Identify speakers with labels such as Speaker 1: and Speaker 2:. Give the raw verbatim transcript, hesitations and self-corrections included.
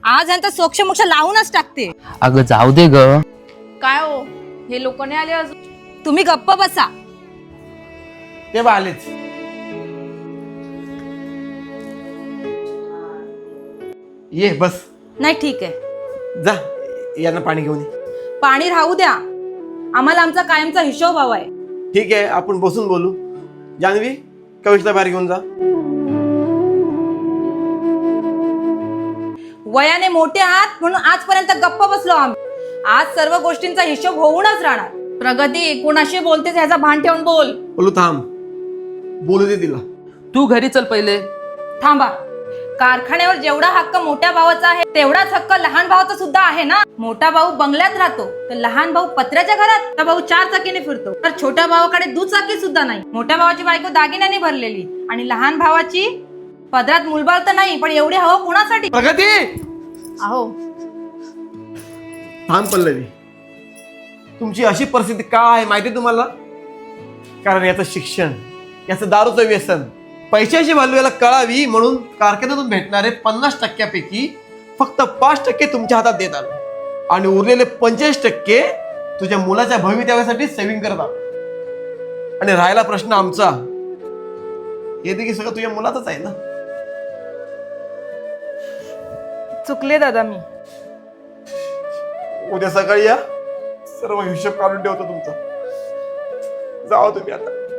Speaker 1: आज यांचा सोक्ष मोक्ष लावूनच टाकते.
Speaker 2: अगं जाऊ दे ग.
Speaker 3: काय हो, हे लोक नाही आले अजून?
Speaker 1: तुम्ही गप्प बसा.
Speaker 4: ते बा आलेच. ये बस.
Speaker 1: नाही ठीक आहे,
Speaker 4: जा यांना पाणी घेऊन ये.
Speaker 1: पाणी राहू द्या, आम्हाला आमचा कायमचा हिशोब हवाय.
Speaker 4: ठीक आहे, आपण बसून बोलू. जान्हवी, कविशला बाहेर घेऊन जा.
Speaker 1: वयाने मोठे आहात म्हणून आजपर्यंत गप्प बसलो आम्ही. आज सर्व गोष्टींचा हिशोब होऊनच राहणार.
Speaker 3: प्रगती, कोणाशी बोलतेस ह्याचा भान ठेवून बोल.
Speaker 4: बोलू थांब, बोलू दे तिला.
Speaker 2: तू घरी चल पहिले.
Speaker 1: थांबा. कारखान्यावर जेवढा हक्क मोठ्या भावाचा आहे तेवढाच हक्क लहान भावाचा सुद्धा आहे ना. मोठा भाऊ बंगल्यात राहतो तर लहान भाऊ पत्र्याच्या घरात. मोठा भाऊ चार चाकीने फिरतो तर छोट्या भावाकडे दुचाकी सुद्धा नाही. मोठ्या भावाची बायको दागिन्याने भरलेली आणि लहान भावाची पदरात मुलबाळ तर नाही, पण एवढी हवा कोणासाठी?
Speaker 4: प्रगती,
Speaker 3: अहो
Speaker 4: थांब पल्लवी. तुमची अशी परिस्थिती का आहे माहिती तुम्हाला? कारण याचं शिक्षण, याचं दारूचं व्यसन, पैशाची व्हॅल्यू याला कळावी म्हणून कारखान्यातून भेटणारे पन्नास टक्क्यापैकी फक्त पाच टक्के तुमच्या हातात देत आलो आणि उरलेले पंचेचाळीस टक्के तुझ्या मुलाच्या भवितव्यासाठी सेव्हिंग करत आलो. आणि राहिला प्रश्न आमचा, हे देखील सगळं तुझ्या मुलाचंच आहे ना.
Speaker 1: चुकले दादा मी.
Speaker 4: उद्या सकाळी या, सर्व हिशोब काढून ठेवतो तुमचा. जावा तुम्ही आता.